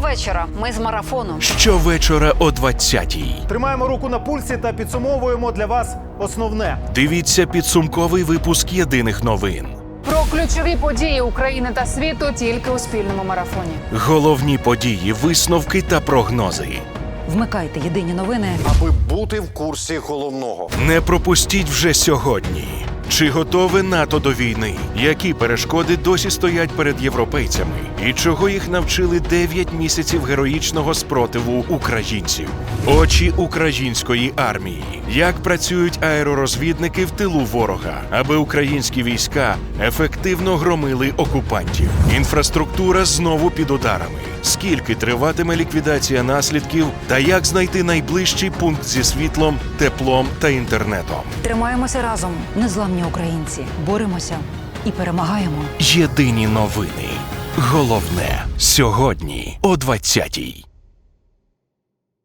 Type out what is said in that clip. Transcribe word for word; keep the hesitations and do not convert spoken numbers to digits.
Щовечора ми з марафону. Щовечора о двадцятій. Тримаємо руку на пульсі та підсумовуємо для вас основне. Дивіться підсумковий випуск єдиних новин. Про ключові події України та світу тільки у спільному марафоні. Головні події, висновки та прогнози. Вмикайте єдині новини. Аби бути в курсі головного. Не пропустіть вже сьогодні. Чи готове НАТО до війни? Які перешкоди досі стоять перед європейцями? І чого їх навчили дев'ять місяців героїчного спротиву українців? Очі української армії. Як працюють аеророзвідники в тилу ворога, аби українські війська ефективно громили окупантів? Інфраструктура знову під ударами. Скільки триватиме ліквідація наслідків та як знайти найближчий пункт зі світлом, теплом та інтернетом? Тримаємося разом, незламні українці. Боремося і перемагаємо. Єдині новини. Головне сьогодні о двадцятій.